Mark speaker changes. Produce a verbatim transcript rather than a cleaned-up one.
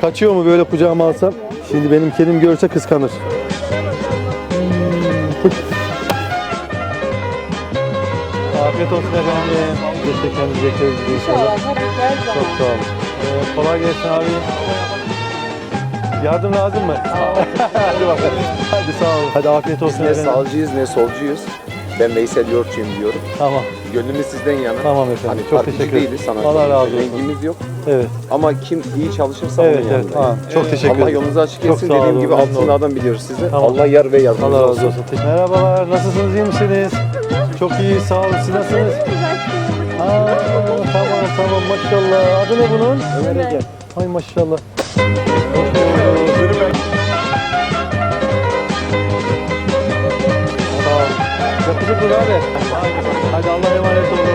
Speaker 1: Kaçıyor mu böyle kucağıma alsam? Şimdi benim kedim görse kıskanır. Afiyet olsun efendim. Teşekkür ederiz inşallah. Çok sağ olun. Ee, kolay gelsin abi. Yardım lazım mı? Hadi bakalım. Hadi sağ olun. Hadi afiyet olsun
Speaker 2: Biz ne
Speaker 1: efendim.
Speaker 2: sağcıyız ne solcuyuz. Ben Veysel Yoğurtçuyum diyorum.
Speaker 1: Tamam.
Speaker 2: Gönlümüz sizden yana.
Speaker 1: Tamam efendim.
Speaker 2: Hani
Speaker 1: Çok
Speaker 2: partici
Speaker 1: teşekkür ederim.
Speaker 2: değiliz, sanatçı
Speaker 1: Allah razı
Speaker 2: değiliz.
Speaker 1: olsun.
Speaker 2: Rengimiz yok.
Speaker 1: Evet.
Speaker 2: Ama kim iyi çalışırsa
Speaker 1: Evet
Speaker 2: onun
Speaker 1: evet.
Speaker 2: yanındayım.
Speaker 1: Tamam. Çok teşekkür ederim.
Speaker 2: Allah yolunuzu açık
Speaker 1: Çok
Speaker 2: etsin.
Speaker 1: sağ
Speaker 2: Dediğim
Speaker 1: olun,
Speaker 2: gibi
Speaker 1: memnun
Speaker 2: altınlardan biliyoruz sizi.
Speaker 1: Tamam.
Speaker 2: Allah yar ve yardımcınız
Speaker 1: Allah razı
Speaker 2: olsun.
Speaker 1: olsun. Merhabalar. Nasılsınız? İyi misiniz? Çok iyi. Sağ olun. Siz nasılsınız? Aa, tamam tamam. Maşallah. Adı ne bunun?
Speaker 3: Ömer Ege.
Speaker 1: Ay maşallah. Sağ ol. Yakışıklı abi. Hadi Allah'a emanet olun.